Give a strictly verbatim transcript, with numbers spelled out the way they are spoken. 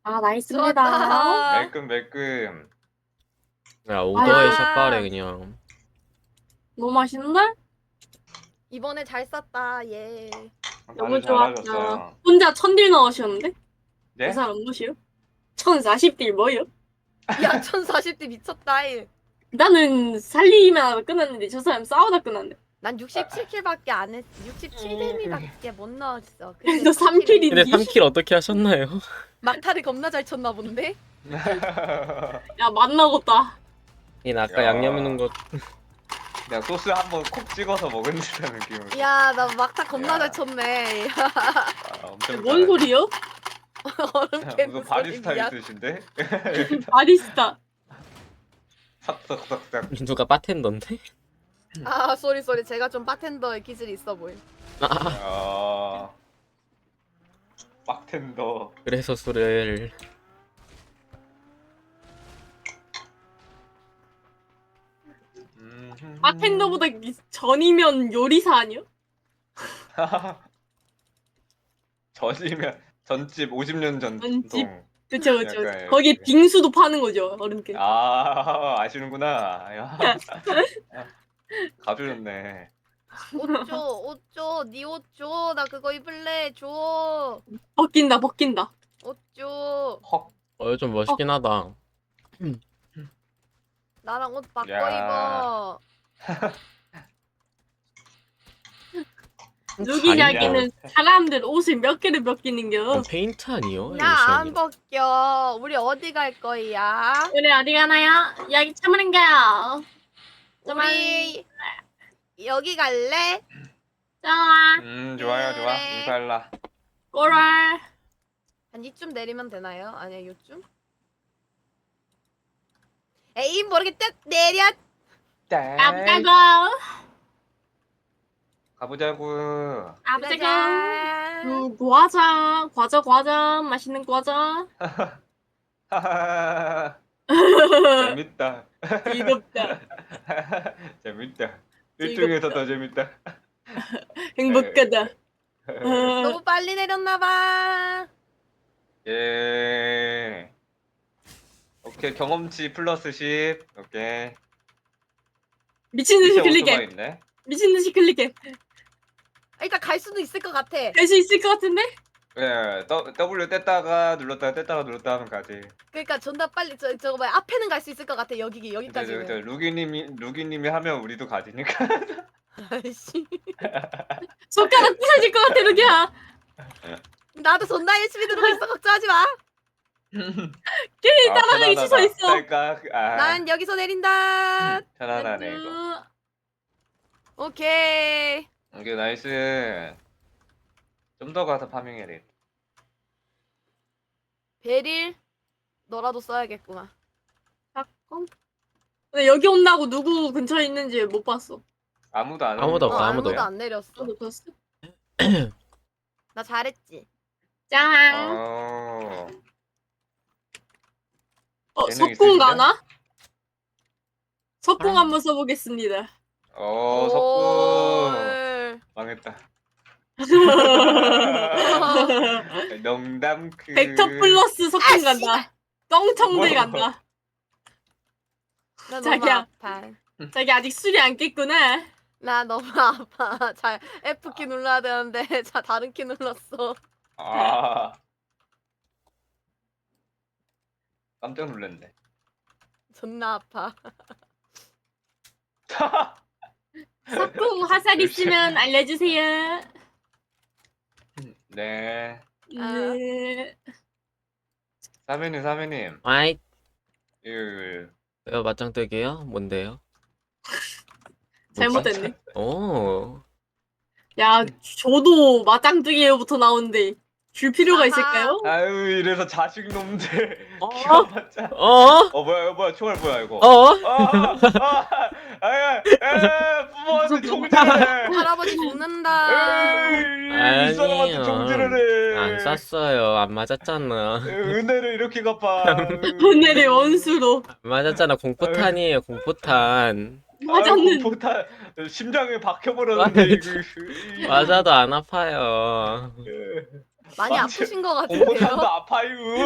아 나이스입니다. 좋았다. 매끈 매끈. 야 오더에 아. 샷발에 그냥. 너무 맛있는데? 이번에 잘 쐈다. 예. 너무 다들 좋았다. 잘하셨어요. 혼자 천딜 넣으셨는데? 예? 그 사람 뭐시요? 천사십 딜 뭐요? 야, 천사십 대 미쳤다. 이. 나는 살리기만 하다 끝났는데 저 사람 싸우다 끝났네. 난 육십칠 킬밖에 안 했. 육십칠 데미밖에 못 넣었어. 근데 그래도 삼 킬이 근데 삼 킬 어떻게 하셨나요? 막타를 겁나 잘 쳤나 본데. 야 만나겠다. 이 아까 야. 양념 있는 거 내가 소스 한번 콕 찍어서 먹은 듯한 느낌으로. 야, 나 막타 겁나 야. 잘 쳤네. 아, 엄청 뭔 잘하네. 소리요? 얼음 무슨 캔 소리 바리스타 미안. 있으신데? 바리스타. 삭삭삭삭. 누가 바텐더인데? 아, 쏘리 쏘리. 제가 좀 바텐더의 기질이 있어 보임. 아. 빡텐더. 그래서 술을 음. 바텐더보다 전이면 요리사 아니요? 전이면 전집 오십 년 전 전집? 전통. 그쵸 그쵸. 약간 거기에 이렇게. 빙수도 파는 거죠 얼음캔. 아 아시는구나. 야. 가져줬네. 옷 줘, 옷 줘, 니 옷 줘. 나 그거 입을래. 줘. 벗긴다 벗긴다. 옷 줘. 헉. 어 좀 멋있긴 하다. 나랑 옷 바꿔 야. 입어. 누기냐기는 사람들 옷을 몇 개를 벗기는겨. 어, 페인트 아니요? 나 안 벗겨. 우리 어디 갈 거야? 그래 어디 가나요? 여기 참으는가요? 우리 여기 갈래? 좋아. 음 좋아요 좋아. 그래. 인사할라. 꼬랄. 한 이쯤 내리면 되나요? 아니야, 요쯤? 에이, 모르겠다. 내려. 아프다고. 가보자고. 아프다고. 가자. 음, 과자, 과자, 과자, 맛있는 과자. 재밌다. 즐겁다. 재밌다. 일중에서 더 재밌다. 행복하다. 너무 빨리 내렸나봐. 예. 오케이 경험치 플러스 십. 오케이. 미친 듯이 밑에 오토바이 클릭해. 있네. 미친 듯이 클릭해. 일단 갈 수도 있을 것 같아. 갈 수 있을 것 같은데? 예. 더- W 뗐다가 눌렀다가 뗐다가 눌렀다 하면 가지. 그러니까 존나 빨리 저 저거 뭐야 앞에는 갈 수 있을 것 같아. 여기 근데 저, 저 여기까지는. 루기님이 루기님이 하면 우리도 가지니까. 아이씨. 손가락 부서질 것 같아, 루기야. 나도 존나 열심히 들고 있어. 걱정하지 마. 괜히 따라가기 취소했어. 그러니까 아, 난 여기서 내린다. 편안하네 이거. 오케이. 오케이 나이스. 좀 더 가서 파밍해야 돼. 베릴 너라도 써야겠구나. 잠깐. 근데 여기 온다고 누구 근처에 있는지 못 봤어. 아무도 안 아무도 오는 없어, 거 아무도 같은데? 안 내렸어. 못 봤어? 나 잘했지. 짠. 어. 어, 재능 석궁 있으신가? 가나? 석궁 아. 한번 써보겠습니다. 어, 오. 석궁 망했다. 농담 그 벡터 플러스 석궁 아, 간다. 똥청들 뭐야? 간다. 나 너무 자기야. 아파. 자기 아직 술이 안 깼구나. 나 너무 아파. 잘 F 키 눌러야 되는데 자 다른 키 눌렀어. 아. 깜짝 놀랐네. 존나 아파. 석궁 화살 있으면 알려주세요. 네. 아. 네. 사면님 사면님. 아이 그 왜요 맞짱 뜨게요? 뭔데요? 잘못됐네. 오 야, 저도 맞짱뜨기부터 나오는데 줄 필요가 아하. 있을까요? 아유 이래서 자식 놈들 어? 키워봤자. 어? 어 뭐야 이거 뭐야 총알 뭐야 이거. 어? 아, 아, 아, 아, 부모한테 총질을 해. 할아버지 죽는다. 에이, 이 사람한테 총질을 해. 안 쐈어요. 안 맞았잖아. 은혜를 이렇게 갚아. 오늘의 원수로 안 맞았잖아. 공포탄이에요. 공포탄. 맞았는. 폭탄 심장에 박혀버렸는데 이거. 맞아도 안 아파요. 많이 맞지? 아프신 것 공포탄도 같은데요? 아파요.